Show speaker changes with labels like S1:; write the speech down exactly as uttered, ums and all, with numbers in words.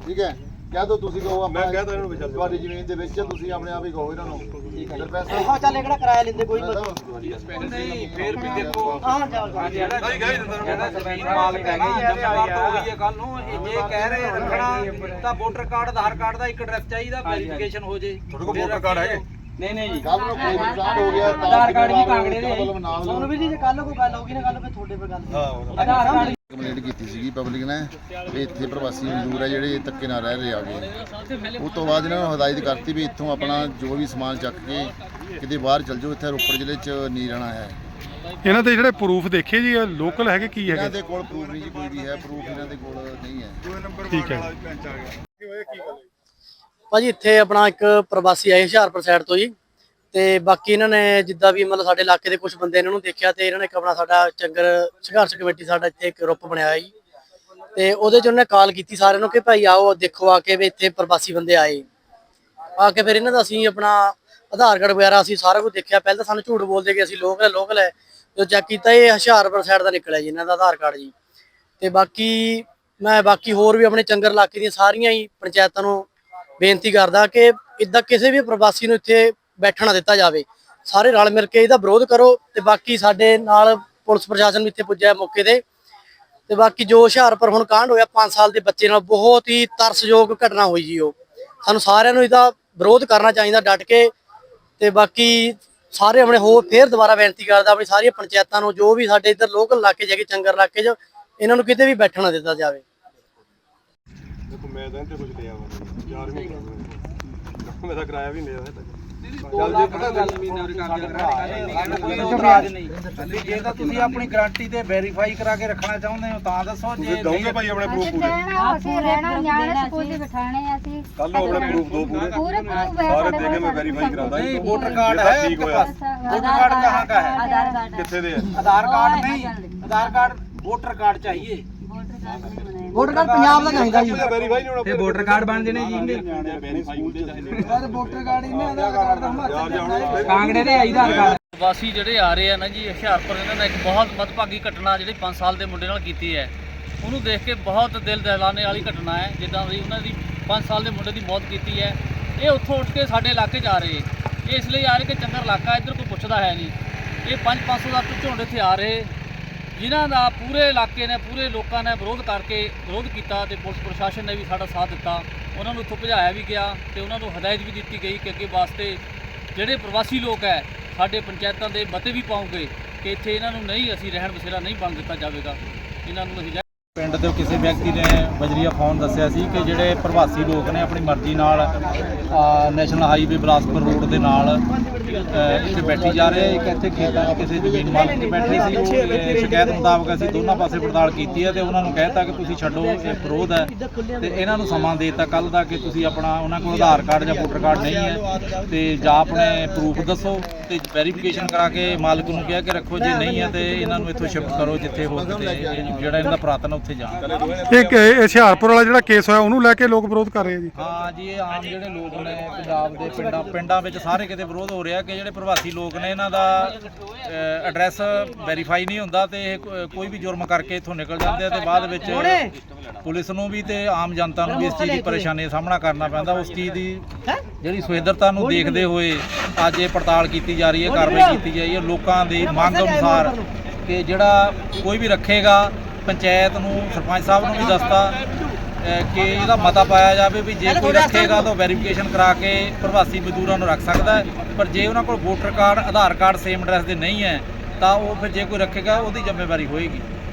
S1: ठीक है कह दो तुसी कहो
S2: मैं कहता इन्हों विच
S1: ਤੁਹਾਡੀ ਜ਼ਮੀਨ ਦੇ ਵਿੱਚ ਤੁਸੀਂ ਆਪਣੇ ਆਪ ਹੀ ਕਹੋ ਇਹਨਾਂ ਨੂੰ
S3: ਠੀਕ ਹੈ
S1: ਫਿਰ ਪੈਸਾ
S3: ਹਾਂ ਚੱਲ ਕਿਹੜਾ ਕਿਰਾਇਆ ਲੈਂਦੇ ਕੋਈ
S4: ਨਹੀਂ ਫਿਰ ਵੀ ਦੇਖੋ
S3: ਹਾਂ ਚੱਲ
S2: ਨਹੀਂ ਗਏ
S4: ਕਹਿੰਦਾ ਜ਼ਮੀਨ ਮਾਲਕ ਹੈਗੇ ਜ਼ਿੰਮੇਵਾਰ ਤਾਂ ਹੋਈ ਹੈ ਕੱਲ ਨੂੰ ਇਹ ਜੇ ਕਹਿ ਰਹੇ ਰੱਖਣਾ ਤਾਂ ਵੋਟਰ ਕਾਰਡ ਆਧਾਰ ਕਾਰਡ ਦਾ ਇੱਕ ਐਡਰੈਸ ਚਾਹੀਦਾ ਵੈਰੀਫਿਕੇਸ਼ਨ ਹੋ ਜੇ
S2: ਤੁਹਾਡੇ ਕੋਲ ਵੋਟਰ ਕਾਰਡ ਹੈਗੇ
S4: ਨਹੀਂ ਨਹੀਂ ਜੀ
S1: ਕੱਲ ਨੂੰ ਕੋਈ ਨੁਕਸਾਨ ਹੋ ਗਿਆ
S4: ਆਧਾਰ ਕਾਰਡ ਵੀ ਕਾਂਗੜੇ ਦੇ
S1: ਮਤਲਬ ਨਾਲ
S3: ਤੁਹਾਨੂੰ ਵੀ ਜੀ ਜੇ ਕੱਲ ਕੋਈ ਗੱਲ ਹੋਗੀ ਨਾ ਕੱਲ ਫਿਰ ਤੁਹਾਡੇ ਪਰ ਗੱਲ
S2: ਹਾਂ
S3: ਆਧਾਰ ਕਾਰਡ
S1: ਕੰਪਲੇਂਟ ਕੀਤੀ ਸੀਗੀ ਪਬਲਿਕ ਨੇ ਵੀ ਇੱਥੇ ਪ੍ਰਵਾਸੀ ਮਜ਼ਦੂਰ ਆ ਜਿਹੜੇ ਧੱਕੇ ਨਾਲ ਰਹਿ ਰਹੇ ਆਗੇ ਉਸ ਤੋਂ ਬਾਅਦ ਇਹਨਾਂ ਨੂੰ ਹਦਾਇਤ ਕਰਤੀ ਵੀ ਇੱਥੋਂ ਆਪਣਾ ਜੋ ਵੀ ਸਮਾਨ ਚੱਕ ਕੇ ਕਿਤੇ ਬਾਹਰ ਚਲ ਜਾਓ, ਇੱਥੇ ਰੋਪੜ ਜ਼ਿਲ੍ਹੇ 'ਚ ਨਹੀਂ ਰਹਿਣਾ ਹੈ।
S5: ਇਹਨਾਂ ਦੇ ਜਿਹੜੇ ਪ੍ਰੂਫ ਦੇਖੇ ਜੀ ਲੋਕਲ ਹੈਗੇ ਕੀ
S1: ਇਹਨਾਂ
S5: ਹੈਗੇ?
S1: ਦੇ ਕੋਲ ਪ੍ਰੂਫ ਨਹੀਂ ਜੀ ਕੋਈ ਵੀ ਹੈ, ਪ੍ਰੂਫ ਇਹਨਾਂ ਦੇ ਕੋਲ ਨਹੀਂ ਹੈ।
S5: ਠੀਕ ਹੈ
S3: ਭਾਜੀ ਇੱਥੇ ਆਪਣਾ ਇੱਕ ਪ੍ਰਵਾਸੀ ਆਏ ਹੁਸ਼ਿਆਰਪੁਰ ਸਾਈਡ ਤੋਂ ਜੀ ਤੇ ਬਾਕੀ ਇਹਨਾਂ ਨੇ ਜਿੱਦਾਂ ਵੀ ਮਤਲਬ ਸਾਡੇ ਇਲਾਕੇ ਦੇ ਕੁਝ ਬੰਦੇ ਇਹਨਾਂ ਨੂੰ ਦੇਖਿਆ ਤੇ ਇਹਨਾਂ ਨੇ ਇੱਕ ਆਪਣਾ ਸਾਡਾ ਚੰਗਰ ਸੰਘਰਸ਼ ਕਮੇਟੀ ਸਾਡਾ ਇੱਥੇ ਇੱਕ ਗਰੁੱਪ ਬਣਾਇਆ ਹੋਇਆ ਜੀ ਤੇ ਉਹਦੇ 'ਚ ਉਹਨੇ ਕਾਲ ਕੀਤੀ ਸਾਰਿਆਂ ਨੂੰ ਕਿ ਭਾਈ ਆਓ ਦੇਖੋ ਆ ਕੇ ਵੀ ਇੱਥੇ ਪ੍ਰਵਾਸੀ ਬੰਦੇ ਆਏ ਆ ਕੇ ਫਿਰ ਇਹਨਾਂ ਦਾ ਅਸੀਂ ਆਪਣਾ ਆਧਾਰ ਕਾਰਡ ਵਗੈਰਾ ਅਸੀਂ ਸਾਰਾ ਕੁਝ ਦੇਖਿਆ। ਪਹਿਲਾਂ ਤਾਂ ਸਾਨੂੰ ਝੂਠ ਬੋਲਦੇ ਕਿ ਅਸੀਂ ਲੋਕਲ ਲੋਕਲ ਹੈ, ਜਦੋਂ ਚੈੱਕ ਕੀਤਾ ਇਹ ਹੁਸ਼ਿਆਰਪੁਰ ਸਾਈਡ ਦਾ ਨਿਕਲਿਆ ਜੀ ਇਹਨਾਂ ਦਾ ਆਧਾਰ ਕਾਰਡ ਜੀ। ਤੇ ਬਾਕੀ ਮੈਂ ਬਾਕੀ ਹੋਰ ਵੀ ਆਪਣੇ ਚੰਗਰ ਇਲਾਕੇ ਦੀਆਂ ਸਾਰੀਆਂ ਹੀ ਪੰਚਾਇਤਾਂ ਨੂੰ ਬੇਨਤੀ ਕਰਦਾ ਕਿ ਇਦਾਂ ਕਿਸੇ ਵੀ ਪ੍ਰਵਾਸੀ ਨੂੰ ਇੱਥੇ ਬੈਠਣਾ ਦਿੱਤਾ ਜਾਵੇ, ਸਾਰੇ ਰਲ ਮਿਲ ਕੇ ਇਹਦਾ ਵਿਰੋਧ ਕਰੋ। ਤੇ ਬਾਕੀ ਸਾਡੇ ਨਾਲ ਪੁਲਿਸ ਪ੍ਰਸ਼ਾਸਨ ਵੀ ਇੱਥੇ ਪੁੱਜਿਆ ਮੌਕੇ ਤੇ ਤੇ ਬਾਕੀ ਜੋ ਹੁਸ਼ਿਆਰਪੁਰ ਹੁਣ ਕਾਂਡ ਹੋਇਆ ਪੰਜ ਸਾਲ ਦੇ ਬੱਚੇ ਨਾਲ ਬਹੁਤ ਹੀ ਤਰਸਯੋਗ ਘਟਨਾ ਹੋਈ ਜੀ, ਉਹ ਸਾਨੂੰ ਸਾਰਿਆਂ ਨੂੰ ਇਹਦਾ ਵਿਰੋਧ ਕਰਨਾ ਚਾਹੀਦਾ ਡਟ ਕੇ। ਤੇ ਬਾਕੀ ਸਾਰੇ ਆਪਣੇ ਹੋਰ ਫੇਰ ਦੁਬਾਰਾ ਬੇਨਤੀ ਕਰਦਾ ਆਪਣੀ ਸਾਰੀਆਂ ਪੰਚਾਇਤਾਂ ਨੂੰ ਜੋ ਵੀ ਸਾਡੇ ਇੱਧਰ ਲੋਕਲ ਇਲਾਕੇ ਜਾਗੇ ਚੰਗਰ ਇਲਾਕੇ 'ਚ ਇਹਨਾਂ ਨੂੰ ਕਿਤੇ ਵੀ ਬੈਠਣਾ ਦਿੱਤਾ ਜਾਵੇ।
S2: ਦੇਖੋ ਮੈਂ ਤਾਂ ਇੱਥੇ ਕੁਝ ਲਿਆ ਵਾ ਯਾਰ ਵੀ ਮੈਂ ਤਾਂ ਕਿਰਾਇਆ ਵੀ ਨਹੀਂ ਲਿਆ ਚੱਲ ਜੇ ਪਤਾ ਗੱਲ ਜ਼ਮੀਨ ਨਾਲ ਕਰਦੇ
S4: ਕੋਈ ਇਤਰਾਜ਼ ਨਹੀਂ। ਜੇ ਤਾਂ ਤੁਸੀਂ ਆਪਣੀ ਗਾਰੰਟੀ ਤੇ ਵੈਰੀਫਾਈ ਕਰਾ ਕੇ ਰੱਖਣਾ ਚਾਹੁੰਦੇ ਹੋ ਤਾਂ ਦੱਸੋ। ਜੇ
S2: ਦੋਗੇ ਭਾਈ ਆਪਣੇ ਪ੍ਰੂਫ ਪੂਰੇ
S6: ਅਸੀਂ ਰਹਿਣਾ ਨਿਆਣੇ ਸਕੂਲ ਦੇ ਬਿਠਾਣੇ ਅਸੀਂ
S2: ਕੱਲ ਨੂੰ ਆਪਣੇ ਪ੍ਰੂਫ ਦੋ ਪੂਰੇ
S6: पूरे प्रूफ है
S2: ਸਾਰੇ ਦੇ ਕੇ ਮੈਂ ਵੈਰੀਫਾਈ ਕਰਾਂਦਾ
S4: नहीं वोटर कार्ड है
S2: ठीक
S4: आपके
S2: होया
S4: पास? वोटर कार्ड कहाँ का है?
S6: आधार कार्ड
S2: कितने दे
S4: आधार कार्ड नहीं, आधार कार्ड वोटर कार्ड चाहिए।
S3: ਵੋਟਰ ਕਾਰਡ ਪੰਜਾਬ ਦਾ ਚਾਹੀਦਾ ਜੀ।
S2: ਵੈਰੀਫਾਈ ਨਹੀਂ ਹੋਣਾ
S4: ਤੇ ਵੋਟਰ ਕਾਰਡ ਬਣ ਜਣੇ ਜੀ ਇਹਦੇ
S2: ਵੈਰੀਫਾਈ ਹੁੰਦੇ ਚਾਹੀਦੇ
S3: ਸਰ ਵੋਟਰ ਕਾਰਡ ਇਹਨੇ ਆਧਾਰ ਕਾਰਡ ਦਾ ਹਿਮਾਚਲ
S4: ਕਾਂਗੜੇ ਦੇ ਆਧਾਰ ਕਾਰਡ
S7: ਪ੍ਰਵਾਸੀ ਜਿਹੜੇ ਆ ਰਹੇ ਆ ਨਾ ਜੀ ਹੁਸ਼ਿਆਰਪੁਰ, ਇਹਨਾਂ ਨੇ ਇੱਕ ਬਹੁਤ ਮੱਦਭਾਗੀ ਘਟਨਾ ਜਿਹੜੀ ਪੰਜ ਸਾਲ ਦੇ ਮੁੰਡੇ ਨਾਲ ਕੀਤੀ ਹੈ, ਉਹਨੂੰ ਦੇਖ ਕੇ ਬਹੁਤ ਦਿਲ ਦਹਿਲਾਣੇ ਵਾਲੀ ਘਟਨਾ ਹੈ। ਜਿੱਦਾਂ ਦੀ ਉਹਨਾਂ ਦੀ ਪੰਜ ਸਾਲ ਦੇ ਮੁੰਡੇ ਦੀ ਮੌਤ ਕੀਤੀ ਹੈ, ਇਹ ਉੱਥੋਂ ਉੱਠ ਕੇ ਸਾਡੇ ਇਲਾਕੇ 'ਚ ਆ ਰਹੇ। ਇਹ ਇਸ ਲਈ ਆ ਰਹੇ ਕਿ ਚੰਗਾ ਇਲਾਕਾ, ਇੱਧਰ ਕੋਈ ਪੁੱਛਦਾ ਹੈ ਨਹੀਂ। ਇਹ ਪੰਜ ਪੰਜ ਸੌ ਦਾ ਝੁੰਡ ਇੱਥੇ ਆ ਰਹੇ, ਜਿਨ੍ਹਾਂ ਦਾ ਪੂਰੇ ਇਲਾਕੇ ਨੇ ਪੂਰੇ ਲੋਕਾਂ ਨੇ ਵਿਰੋਧ ਕਰਕੇ ਵਿਰੋਧ ਕੀਤਾ ਤੇ ਪੁਲਿਸ ਪ੍ਰਸ਼ਾਸਨ ਨੇ ਵੀ ਸਾਡਾ ਸਾਥ ਦਿੱਤਾ। ਉਹਨਾਂ ਨੂੰ ਇੱਥੋਂ ਭਜਾਇਆ ਵੀ ਗਿਆ ਤੇ ਉਹਨਾਂ ਨੂੰ ਹਦਾਇਤ ਵੀ ਦਿੱਤੀ ਗਈ ਕਿ ਅੱਗੇ ਵਾਸਤੇ ਜਿਹੜੇ ਪ੍ਰਵਾਸੀ ਲੋਕ ਹੈ ਸਾਡੇ ਪੰਚਾਇਤਾਂ ਦੇ ਮਤੇ ਵੀ ਪਾਉਂਗੇ ਕਿ ਇੱਥੇ ਇਹਨਾਂ ਨੂੰ ਨਹੀਂ ਅਸੀਂ ਰਹਿਣ ਬਸੇਰਾ ਨਹੀਂ ਬਣ ਦਿੱਤਾ ਜਾਵੇਗਾ, ਇਹਨਾਂ ਨੂੰ ਅਸੀਂ
S4: ਪਿੰਡ ਦੇ ਕਿਸੇ ਵਿਅਕਤੀ ਨੇ ਬਜਰੀਆ ਫੋਨ ਦੱਸਿਆ ਸੀ ਕਿ ਜਿਹੜੇ ਪ੍ਰਵਾਸੀ ਲੋਕ ਨੇ ਆਪਣੀ ਮਰਜ਼ੀ ਨਾਲ ਨੈਸ਼ਨਲ ਹਾਈਵੇ ਬਿਲਾਸਪੁਰ ਰੋਡ ਦੇ ਨਾਲ ਇੱਥੇ ਬੈਠੀ ਜਾ ਰਹੇ। ਇੱਕ ਇੱਥੇ ਖੇਤਾਂ 'ਚ ਕਿਸੇ ਜ਼ਮੀਨ ਮਾਲਕ ਤੇ ਬੈਠੇ ਸੀ। ਉਹ ਸ਼ਿਕਾਇਤ ਮੁਤਾਬਕ ਅਸੀਂ ਦੋਨਾਂ ਪਾਸੇ ਪੜਤਾਲ ਕੀਤੀ ਹੈ ਤੇ ਉਹਨਾਂ ਨੂੰ ਕਹਿਤਾ ਕਿ ਤੁਸੀਂ ਛੱਡੋ, ਇਹ ਵਿਰੋਧ ਹੈ। ਤੇ ਇਹਨਾਂ ਨੂੰ ਸਮਾਂ ਦੇ ਦਿੱਤਾ ਕੱਲ ਦਾ ਕਿ ਤੁਸੀਂ ਆਪਣਾ ਉਹਨਾਂ ਕੋਲ ਆਧਾਰ ਕਾਰਡ ਜਾਂ ਵੋਟਰ ਕਾਰਡ ਨਹੀਂ ਹੈ ਤੇ ਜਾਂ ਆਪਣੇ ਪ੍ਰੂਫ ਦੱਸੋ ਤੇ ਵੈਰੀਫਿਕੇਸ਼ਨ ਕਰਾ ਕੇ ਮਾਲਕ ਨੂੰ ਕਿਹਾ ਕਿ ਰੱਖੋ, ਜੇ ਨਹੀਂ ਹੈ ਤੇ ਇਹਨਾਂ ਨੂੰ ਇੱਥੋਂ ਸ਼ਿਫਟ ਕਰੋ ਜਿੱਥੇ ਹੋ ਕਿਤੇ ਜਿਹੜਾ ਇਹਨਾਂ ਦਾ ਪੁਰਾਤਨ ਉੱਥੇ ਜਾਣ।
S5: ਇੱਕ ਇਹ ਹੁਸ਼ਿਆਰਪੁਰ ਵਾਲਾ ਜਿਹੜਾ ਕੇਸ ਹੋਇਆ ਉਹਨੂੰ ਲੈ ਕੇ ਲੋਕ ਵਿਰੋਧ ਕਰ ਰਹੇ ਆ ਜੀ।
S4: ਹਾਂ ਜੀ, ਇਹ ਆਮ ਜਿਹੜੇ ਲੋਕ ਨੇ ਪੰਜਾਬ ਦੇ ਪਿੰਡਾਂ ਪਿੰਡਾਂ ਵਿੱਚ ਸਾਰੇ ਕਿਤੇ ਵਿਰੋਧ ਹੋ ਰਿਹਾ ਕਿ ਜਿਹੜੇ ਪ੍ਰਵਾਸੀ ਲੋਕ ਨੇ ਇਹਨਾਂ ਦਾ ਐਡਰੈਸ ਵੈਰੀਫਾਈ ਨਹੀਂ ਹੁੰਦਾ ਤੇ ਇਹ ਕੋਈ ਵੀ ਜੁਰਮ ਕਰਕੇ ਇੱਥੋਂ ਨਿਕਲ ਜਾਂਦੇ ਆ ਤੇ ਬਾਅਦ ਵਿੱਚ ਪੁਲਿਸ ਨੂੰ ਵੀ ਤੇ ਆਮ ਜਨਤਾ ਨੂੰ ਵੀ ਇਸ ਚੀਜ਼ ਦੀ ਪਰੇਸ਼ਾਨੀ ਦਾ ਸਾਹਮਣਾ ਕਰਨਾ ਪੈਂਦਾ। ਉਸ ਚੀਜ਼ ਦੀ ਜਿਹੜੀ ਸੁਹਿਰਦਤਾ ਨੂੰ ਦੇਖਦੇ ਹੋਏ ਅੱਜ ਇਹ ਪੜਤਾਲ ਕੀਤੀ ਜਾ ਰਹੀ ਹੈ, ਕਾਰਵਾਈ ਕੀਤੀ ਜਾਈ ਹੈ ਲੋਕਾਂ ਦੀ ਮੰਗ ਅਨੁਸਾਰ ਕਿ ਜਿਹੜਾ ਕੋਈ ਵੀ ਰੱਖੇਗਾ ਪੰਚਾਇਤ ਨੂੰ ਸਰਪੰਚ ਸਾਹਿਬ ਨੂੰ ਵੀ ਦੱਸਤਾ ਕਿ ਇਹਦਾ ਮਤਾ ਪਾਇਆ ਜਾਵੇ ਵੀ ਜੇ ਕੋਈ ਰੱਖੇਗਾ ਤਾਂ ਵੈਰੀਫਿਕੇਸ਼ਨ ਕਰਾ ਕੇ ਪ੍ਰਵਾਸੀ ਮਜ਼ਦੂਰਾਂ ਨੂੰ ਰੱਖ ਸਕਦਾ ਹੈ, ਪਰ ਜੇ ਉਹਨਾਂ ਕੋਲ voter card Aadhaar card same address ਦੇ ਨਹੀਂ ਹੈ ਤਾਂ ਉਹ ਫਿਰ ਜੇ ਕੋਈ ਰੱਖੇਗਾ ਉਹਦੀ ਜ਼ਿੰਮੇਵਾਰੀ ਹੋਏਗੀ।